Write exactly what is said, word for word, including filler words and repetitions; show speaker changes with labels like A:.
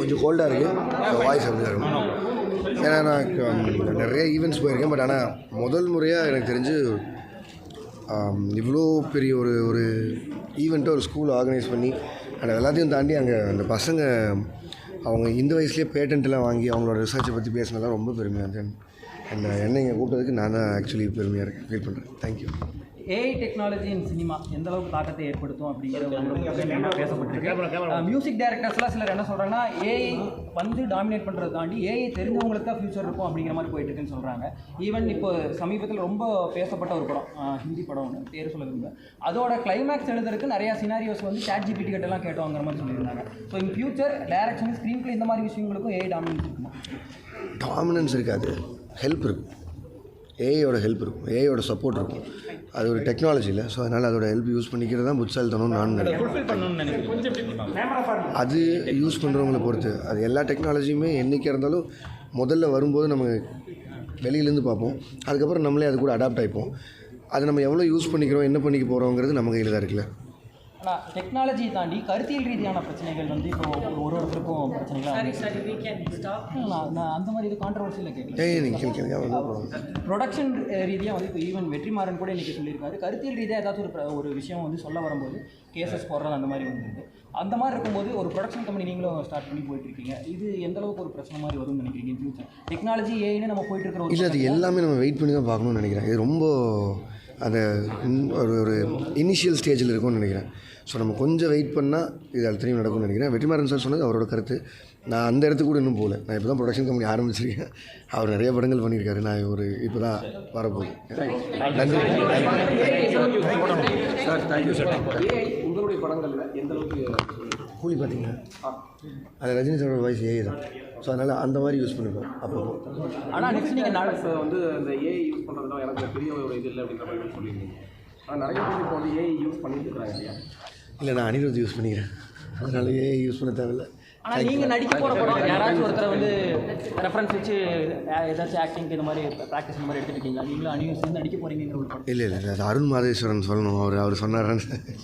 A: கொஞ்சம் கோல்டாக இருக்குது, வாய்ஸ் அப்படி தான் இருக்கும். ஏன்னா நான் நிறைய ஈவெண்ட்ஸ் போயிருக்கேன். பட் ஆனால் முதல் முறையாக எனக்கு தெரிஞ்சு இவ்வளோ பெரிய ஒரு ஒரு ஈவெண்ட்டை ஒரு ஸ்கூல் ஆர்கனைஸ் பண்ணி அண்ட் எல்லாத்தையும் தாண்டி அங்கே அந்த பசங்க அவங்க இந்த வயசுலேயே பேட்டன்ட்லாம் வாங்கி அவங்களோட ரிசர்ச்சை பற்றி பேசினதெல்லாம் ரொம்ப பெருமையாக இருந்தேன். அண்ட் என்னை இங்கே கூப்பிட்டதுக்கு நான் தான் ஆக்சுவலி பெருமையாக இருக்கேன், ஃபீல் பண்ணுறேன். Thank you.
B: AI technology in cinema எந்த அளவுக்கு தாக்கத்தை ஏற்படுத்தும் அப்படிங்கிற பேசப்பட்டிருக்கு. மியூசிக் டைரக்டர்ஸ்லாம் சிலர் என்ன சொல்கிறாங்கன்னா, ஏஐ வந்து டாமினேட் பண்ணுறது தாண்டி ஏஐ தெரிஞ்சவங்களுக்கு தான் ஃபியூச்சர் இருக்கும் அப்படிங்கிற மாதிரி போயிட்டு இருக்குன்னு சொல்கிறாங்க. ஈவன் இப்போ சமீபத்தில் ரொம்ப பேசப்பட்ட ஒரு படம், ஹிந்தி படம் ஒன்று பேர் சொல்ல விரும்ப, அதோட கிளைமேக்ஸ் எழுதுறதுக்கு நிறையா சினாரியோஸ் வந்து சாட் ஜிபிடி கிட்டலாம் கேட்டோங்கிற மாதிரி சொல்லியிருந்தாங்க. So in future direction screenplay இந்த மாதிரி விஷயங்களுக்கும் ஏஐ டாமினன்ஸ் இருக்குமா?
A: டாமினன்ஸ் இருக்காது, ஹெல்ப் இருக்கும். ஏஐயோட ஹெல்ப் இருக்கும், ஏஐயோட சப்போர்ட் இருக்கும். அது ஒரு டெக்னாலஜி இல்லை. ஸோ அதனால் அதோட ஹெல்ப் யூஸ் பண்ணிக்கிறது தான் புட்சாலித்தனம்னு நான் நினைக்கிறேன். அது யூஸ் பண்ணுறவங்கள பொறுத்து. அது எல்லா டெக்னாலஜியுமே என்றைக்கு இருந்தாலும் முதல்ல வரும்போது நம்ம வெளியிலேருந்து பார்ப்போம், அதுக்கப்புறம் நம்மளே அது கூட அடாப்ட் ஆகிப்போம். அது நம்ம எவ்வளோ யூஸ் பண்ணிக்கிறோம், என்ன பண்ணிக்க போகிறோங்கிறது நம்ம கையில் தான் இருக்குல்ல.
B: ஆனால் டெக்னாலஜி தாண்டி கருத்தியல் ரீதியான பிரச்சனைகள் வந்து இப்போ ஒரு ஒருத்தருக்கும் பிரச்சனைகள் அந்த மாதிரி இது கான்ட்ரவர்சியில் கேட்கல.
A: ஏய் நீங்கள் கேட்குறீங்க.
B: ப்ரொடக்ஷன் ரீதியாக வந்து இப்போ ஈவன் வெற்றிமாறன் கூட இன்றைக்கி சொல்லியிருக்காரு, கருத்தியல் ரீதியாக ஏதாச்சும் ஒரு ஒரு விஷயம் வந்து சொல்ல வரும்போது கேசஸ் போடுறது அந்த மாதிரி வந்துருக்கு. அந்த மாதிரி இருக்கும்போது ஒரு ப்ரொடக்ஷன் கம்பெனி நீங்களும் ஸ்டார்ட் பண்ணி போயிட்டுருக்கீங்க, இது எந்த அளவுக்கு ஒரு பிரச்சனை மாதிரி வரும்னு நினைக்கிறீங்க ஃபியூச்சர்? டெக்னாலஜி ஏன்னு நம்ம போயிட்டு இருக்கிற
A: இல்லை, அது எல்லாமே நம்ம வெயிட் பண்ணி தான் பார்க்கணும்னு நினைக்கிறேன். இது ரொம்ப அந்த ஒரு ஒரு இனிஷியல் ஸ்டேஜில் இருக்கும்னு நினைக்கிறேன். ஸோ நம்ம கொஞ்சம் வெயிட் பண்ணால் இது அத்தனையும் நடக்கும்னு நினைக்கிறேன். வெற்றிமாறன் சார் சொன்னது அவரோட கருத்து. நான் அந்த இடத்துக்கு கூட இன்னும் போகல. நான் இப்போ தான் ப்ரொடக்ஷன் கம்பெனி ஆரம்பிச்சிருக்கேன். அவர் நிறைய படங்கள் பண்ணியிருக்காரு. நான் ஒரு இப்போ தான் வரப்போகுது. நன்றி
C: சார். Thank you sir. உங்களுடைய படங்களில் எந்த அளவுக்கு
A: கூலி பார்த்தீங்கன்னா அது ரஜினி சாரோட வாய்ஸ் ஏஐ தான். ஸோ அதனால் அந்த மாதிரி யூஸ் பண்ணிப்போம் அப்போ.
B: ஆனால் நெக்ஸ்ட் நீங்கள் நாளை
C: வந்து இந்த ஏஐ யூஸ் பண்ணுறதுலாம் எனக்கு பெரிய ஒரு இது இல்லை அப்படின்ற மாதிரி சொல்லியிருந்தீங்க. ஆனால் நிறைய பேர் இப்போ வந்து ஏஐ யூஸ் பண்ணிட்டு இருக்கிறாங்க இல்லையா?
A: இல்லை, நான் அனிருத் யூஸ் பண்ணிக்கிறேன், அதனால ஏஐ யூஸ் பண்ண தேவையில்லை.
B: ஆனால் நீங்கள் நடிக்க போகிற படம் யாராச்சும் ஒருத்தரை வந்து ரெஃபரன்ஸ் வச்சு ஏதாச்சும் ஆக்டிங்க்கு இந்த மாதிரி ப்ராக்டிஸ் இந்த மாதிரி எடுத்துகிட்டு இருக்கீங்களா? நீங்களும் அனியும் சேர்ந்து நடிக்க போகிறீங்கிற ஒரு படம்?
A: இல்லை இல்லை அது அருண் மாதேஸ்வரன் சொல்லணும். அவர் அவர் சொன்னார்.